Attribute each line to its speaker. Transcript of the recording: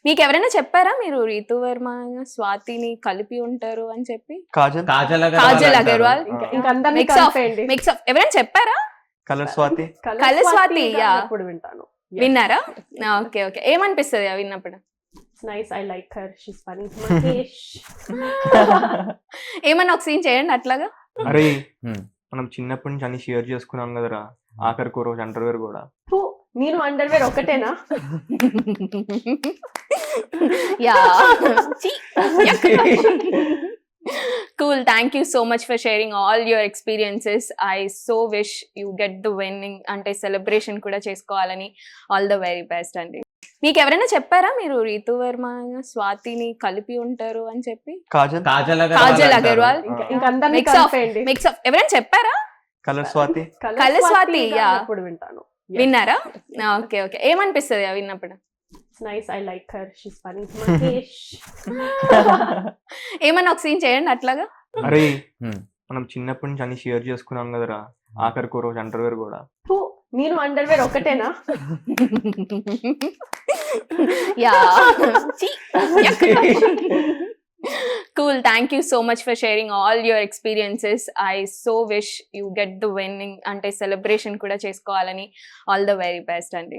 Speaker 1: మీకెవరైనా చెప్పారా మీరు రీతు వర్మ, స్వాతిని కలిపి ఉంటారు అని చెప్పి?
Speaker 2: కాజల్
Speaker 1: కాజల్ అగర్వాల్
Speaker 3: ఇంకా అందరినీ
Speaker 1: మిక్స్ ఆఫ్
Speaker 3: కలిపేయండి.
Speaker 1: మిక్స్ ఆఫ్ ఎవరైనా చెప్పారా?
Speaker 2: Colour Swathi
Speaker 1: colour Swathi, yeah.
Speaker 3: ఇప్పుడు వింటాను.
Speaker 1: విన్నారా? Okay okay. ఏమనిపిస్తుంది విన్నప్పుడు?
Speaker 3: Nice, I like her, she's funny. Mahesh
Speaker 1: ఏమన్నా ఒక సీన్ చేయండి అట్లాగా.
Speaker 2: అరే మనం చిన్నప్పటి నుంచి అన్ని షేర్ చేసుకున్నాం కదరా, ఆఖరికి రోజు అండర్వేర్ కూడా.
Speaker 3: ఫు, నేను అండర్వేర్ ఒకటేనా?
Speaker 1: Yeah cool, thank you so much for sharing all your experiences. I so wish you get the winning అంటే సెలబ్రేషన్ కూడా చేసుకోవాలని. ఆల్ ద వెరీ బెస్ట్ అండి. మీకు ఎవరైనా చెప్పారా మీరు రీతు వర్మ, స్వాతిని కలిపి ఉంటారు అని చెప్పి? కాజల్ అగర్వాల్
Speaker 3: ఇంకా అందరినీ
Speaker 1: మిక్స్ ఆఫ్
Speaker 3: కలిపేయండి.
Speaker 1: మిక్స్ ఆఫ్ ఎవరైనా చెప్పారా?
Speaker 2: Colour Swathi
Speaker 1: colour Swathi, yeah.
Speaker 3: ఇప్పుడు వింటాను.
Speaker 1: విన్నారా? Okay okay. ఏమనిపిస్తుంది విన్నప్పుడు?
Speaker 3: Nice, I like her, she's funny. Mahesh
Speaker 1: ఏమన్నా ఒక సీన్ చేయండి అట్లాగా.
Speaker 2: అరే మనం చిన్నప్పటి నుంచి అన్ని షేర్ చేసుకున్నాం కదరా, ఆఖరికి రోజు అండర్వేర్ కూడా.
Speaker 3: ఫు, నేను అండర్వేర్ ఒకటేనా?
Speaker 1: Yeah cool, thank you so much for sharing all your experiences. I so wish you get the winning అంటే సెలబ్రేషన్ కూడా చేసుకోవాలని. ఆల్ ద వెరీ బెస్ట్ అండి.